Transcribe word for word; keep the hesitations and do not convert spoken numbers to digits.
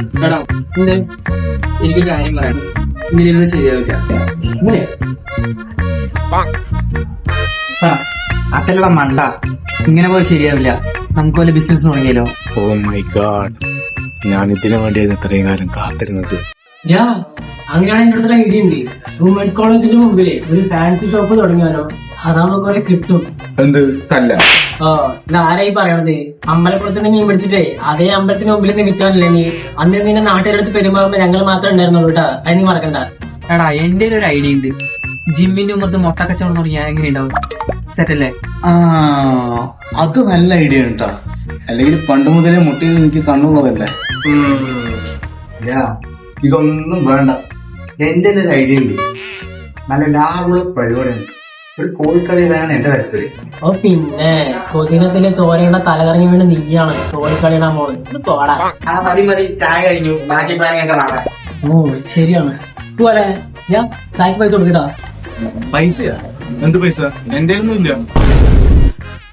എടാ എന്ത് എനിക്കൊരു കാര്യം പറയണം. ഇങ്ങനെ ഇരുന്ന് ശരിയാവില്ല. ഇങ്ങനെ അതല്ല മണ്ട, ഇങ്ങനെ പോയി ശരിയാവില്ല. നമുക്ക് വല്ല ബിസിനസ് തുടങ്ങിയാലോ? ഓ മൈ ഗാഡ്, ഞാൻ ഇതിനു വേണ്ടിയായിരുന്നു ഇത്രയും കാലം കാത്തിരുന്നത്. യാ അങ്ങനെയാണ് എന്റെ അടുത്തുള്ള ഐഡിയ ഉണ്ട്. വുമൻസ് കോളേജിന്റെ മുമ്പില് ഒരു ഫാൻസി ഷോപ്പ് തുടങ്ങിയാലോ? അതാകുമ്പോ കുറെ കിട്ടും. എന്ത് തല്ല? ഓ ഇത് ആരായി പറയണത്? അമ്പലക്കുളത്തിന് മീൻ പിടിച്ചിട്ടേ അതേ അമ്പലത്തിന് മുമ്പിൽ നിന്ന് വിറ്റാനല്ലേ നീ? അന്ന് നിന്റെ നാട്ടുകാരടുത്ത് പെരുമാറുമ്പോ ഞങ്ങൾ മാത്രമേ ഉണ്ടായിരുന്നുള്ളൂ കേട്ടാ. അത് നീ മറക്കണ്ട. എടാ എന്റെ ഒരു ഐഡിയ ഉണ്ട്. ജിമ്മിന്റെ ഉമ്മർത്ത് മുട്ട കച്ചവടം തുടങ്ങിയാൽ എങ്ങനെ ഉണ്ടാവും? സെറ്റല്ലേ? ആ അത് നല്ല ഐഡിയ കേട്ടാ. അല്ലെങ്കിൽ പണ്ട് മുതലേ മുട്ടിയിൽ എനിക്ക് കണ്ണുള്ളതല്ലേ. ഇതൊന്നും വേണ്ട. എന്റെ ഒരു ഐഡിയ ഉണ്ട്. നല്ല ലാഭമുള്ള പരിപാടിയാണ്. ഒരു കോഴിക്കളിയാണ് എന്റെ താല്പര്യം. ഓ പിന്നെ കൊതിനത്തിലെ ചോരയുടെ തലകറങ്ങി വീണ് നീയാണ് കോഴിക്കളിയുടെ മോള്. ഇത് പോടാ. ആ മതി മതി, ചായ കഴിഞ്ഞു. ബാക്കി പ്ലാനിങ് ഒക്കെ നാളെ. ഓ ശരിയാണ്. പോലെ ഞാൻ ചായക്ക് പൈസ കൊടുക്കട്ടാ. പൈസയാ? എന്ത് പൈസ? എന്റെ ഒന്നും ഇല്ല.